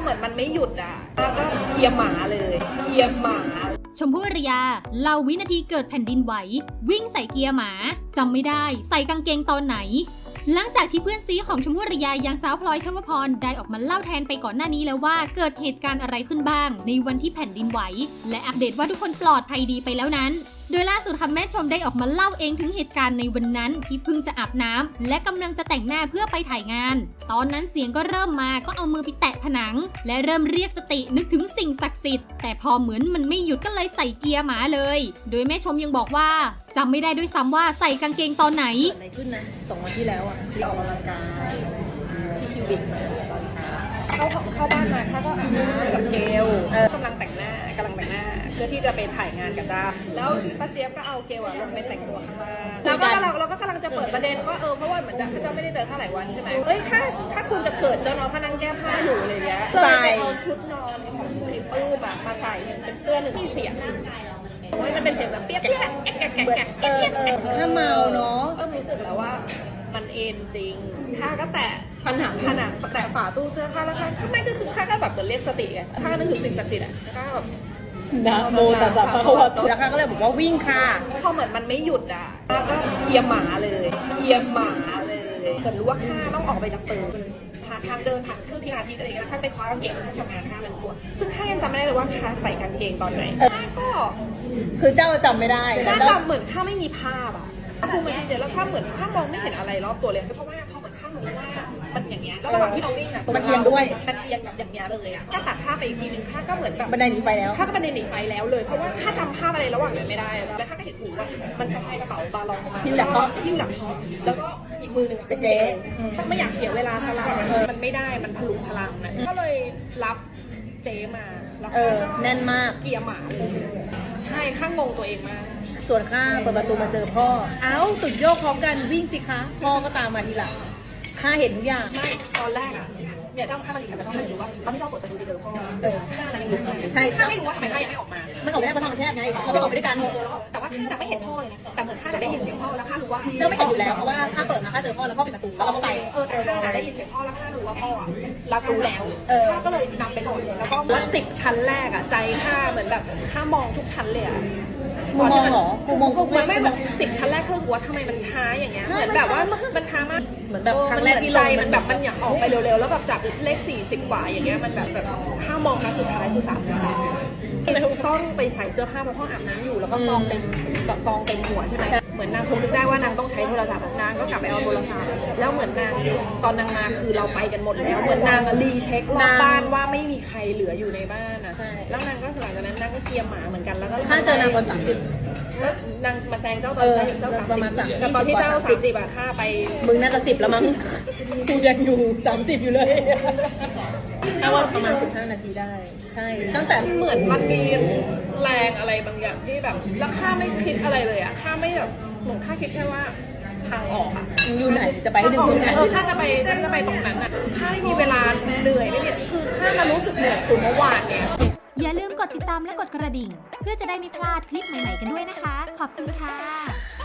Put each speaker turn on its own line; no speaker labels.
เหมือนมันไม่หยุดอ่ะแล้วก็เคลียร์หมาเลยเคลียร์หมา
ชมพู่อารยาเล่าวินาทีเกิดแผ่นดินไหววิ่งใส่เกียร์หมาจำไม่ได้ใส่กางเกงตอนไหนหลังจากที่เพื่อนซีของชมพู่อารยาอย่างสาวพลอยชวพรได้ออกมาเล่าแทนไปก่อนหน้านี้แล้วว่าเกิดเหตุการณ์อะไรขึ้นบ้างในวันที่แผ่นดินไหวและอัปเดตว่าทุกคนปลอดภัยดีไปแล้วนั้นโดยล่าสุดค่ะแม่ชมได้ออกมาเล่าเองถึงเหตุการณ์ในวันนั้นที่เพิ่งจะอาบน้ำและกำลังจะแต่งหน้าเพื่อไปถ่ายงานตอนนั้นเสียงก็เริ่มมาก็เอามือไปแตะผนังและเริ่มเรียกสตินึกถึงสิ่งศักดิ์สิทธิ์แต่พอเหมือนมันไม่หยุดก็เลยใส่เกียร์หมาเลยโดยแม่ชมยังบอกว่าจำไม่ได้ด้วยซ้ำว่าใส่กางเกงตอนไหน
เกิดอะไรขึ้นนะ2 วันที่แล้วอ่ะที่ออกกำลังกายที่คิวบิกมาตอนเช้าเข้าบ้านมาข้าก็อาบน้ำกับเกลกำลังแต่งหน้าเพื่อที่จะไปถ่ายงานกับจ้าแล้วป้าเจี๊ยบก็เอาเกลลงไปแต่งตัวข้างล่างแล้วก็เราก็กำลังจะเปิดประเด็นว่าเพราะว่าเหมือนเจ้าไม่ได้เจอข้าหลายวันใช่ไหมเฮ้ยถ้าคุณจะเขินเจ้าน้องเขานั่งแก้ผ้าอยู่อะไรเงี้ยเลยไปเอาชุดนอนของคุณปื้มมาใส่เป็นเสื้อหนึ่งที่เสียงมันเป็นเสียงแบบเปี้ยแกะถ้าเมาเนาะรู้สึกแล้วว่ามันเอ็นจริงข้าก็แตะผนังแตะฝาตู้เสื้อข้าแล้วข้าไม่ก็คือข้าก็แบบเหมือนเรียกสติไงข้าก็นึกถึงสิ่งศักดิ์สิทธิ์อ่ะข้าแบบนะโมตัสสะภะคะวะโตแล้วข้าก็เลยบอกว่าวิ่งค่ะพอเหมือนมันไม่หยุดอ่ะข้าก็เคลียร์หมาเลยเหมือนรู้ว่าข้าต้องออกไปจากตึกผ่านทางเดินผ่านเครื่องพิลาทิสอะไรอย่างเงี้ยข้าไปคว้ากางเกงทำงานข้ามันปวดซึ่งข้ายังจำไม่ได้เลยว่าข้าใส่กางเกงตอนไหนข้าก็
คือเจ้าจำไม่ได้
ข้าจำเหมือนข้าไม่มีภาพอ่ะภูมิมันเจแล้วข้าเหมือนข้ามองไม่เห็นอะไรรอบตัวเลยเพราะว่าพอเหมือนข้ารู้ว่ามันอย่างเงี้ยแล้วระหว่างที่เราวิ่งอ่ะ
มันเอียงด้วย
มันเอียงแบบอย่างเงี้ยเลยอ่ะก็ตัดภาพไปอีกทีนึงข้าก็เหมือนแบบ
บันไดหนีไฟแล้ว
ข้าก็บันไดหนีไฟแล้วเลยเพราะว่าข้าจำภาพอะไรระหว่างนั้นไม่ได้แล้วข้าก็เห็นหูว่ามันสะพายกระเป๋าบาลองมาหิ้วหลังท้องแล้วก็อีกมือหนึ่งเป็นเจ๊ไม่อยากเสียเวลาพลังมันไม่ได้มันพลุพลังนะก็เลยรับเจ๊มาแล้วก็
แน่นมาก
เกียร์หมาเลยใช่ข้างงตัวเองมาก
ส่วนข้าเปิดประตูมาเจอพ่อเอ้าตุ่นโยกพร้อมกันวิ่งสิคะพ่อก็ตามมาทีหลังข้าเห็นทุกอย่าง
ไม่ตอนแรกอ่ะเนี่ยเจ้าข้ามาดีค่ะแต่ต้องไม่รู้ว่าตอนที่เจ้าเปิดประตูไปเจอพ่อข้าอะไรอยู่
ใช่
ข้าไม่รู้ว่าทำไมข้ายังไม่ออกมา
มันออกไม่ได้เพราะทางมันแคบไงเราไม่ออกไปด้วยกัน
แต่ว่าข้าไม่เห็นพ่อเลยนะแต่เหมือนข้าได้ยินเสียงพ่อแล้วข้ารู้ว่า
เจ้าไม่เห็นอยู่แล้วเพราะว่าข้าเปิดมาข้าเจอพ่อแล้วพ่อปิดประตูแล้วเราก็ไป
แต่ข้าได้ยินเสียงพ่อแล้วข้ารู้ว่าพ่อรับรู้แล้วข้าก็เลยนำไปหมดแล้วก็ว่า10 ชั้นแรกอ่ะใจข้าเหมือนแบบข้ามองทุกชั้นเลยอ่ะ
กูมองเหรอกูมอง
มันไม่แบบ10 ชั้นแรกเขารู้ว่าทำไมมันช้าอย่างเงี้ยเหมือนแบบว่ามันช้ามาก
เหมือนแบบครั้งแรกที่
ใจมันแบบมันอยากออกไปเร็วๆแล้วแบบจากเลข40 กว่าอย่างเงี้ยมันแบบข้ามองครั้งสุดท้ายคือ33ต้องไปใส่เสื้อผ้าเพราะพ่ออาบน้ำอยู่แล้วก็กองเต็มหัวใช่ไหมเหมือนนางคงนึกได้ว่านางต้องใช้โทรศัพท์นางก็กลับไปเอาโทรศัพท์แล้วเหมือนนางตอนนางมาคือเราไปกันหมดแล้วเหมือนนางรีเช็ครอบบ้านว่าไม่มีใครเหลืออยู่ในบ้านอ่ะแล้วนางก็หลังจากนั้นนางก็เกียร์หมาเหมือนกันแล้วก็
ข้าเจอนางตอน
30แล้วนางมาแซงเจ้าตอน
ประมาณ30
แต่ตอนที่เจ้า30อะข้าไป
มึงน่าจะ10แล้วมั้งกูยังอยู่30อยู่เลยถ้าว่าประมาณ15 นาทีได้ใช่ตั้งแต่
เหมือนมันมีแรงอะไรบางอย่างที่แบบแล้วข้าไม่คิดอะไรเลยอะข้าไม่แบบเหมือนข้าคิดแค่ว่าทางออกอะ
อยู่ไหนจะไปให้ดึงคุณ
ถ้าจะไปตรงนั้นอะถ้าไม่มีเวลาเหนื่อยไม่เนี่ยคือข้ามารู้สึกเหนื่อยคือเมื่อวานเนี่ย
อย่าลืมกดติดตามและกดกระดิ่งเพื่อจะได้ไม่พลาดคลิปใหม่ๆกันด้วยนะคะขอบคุณค่ะ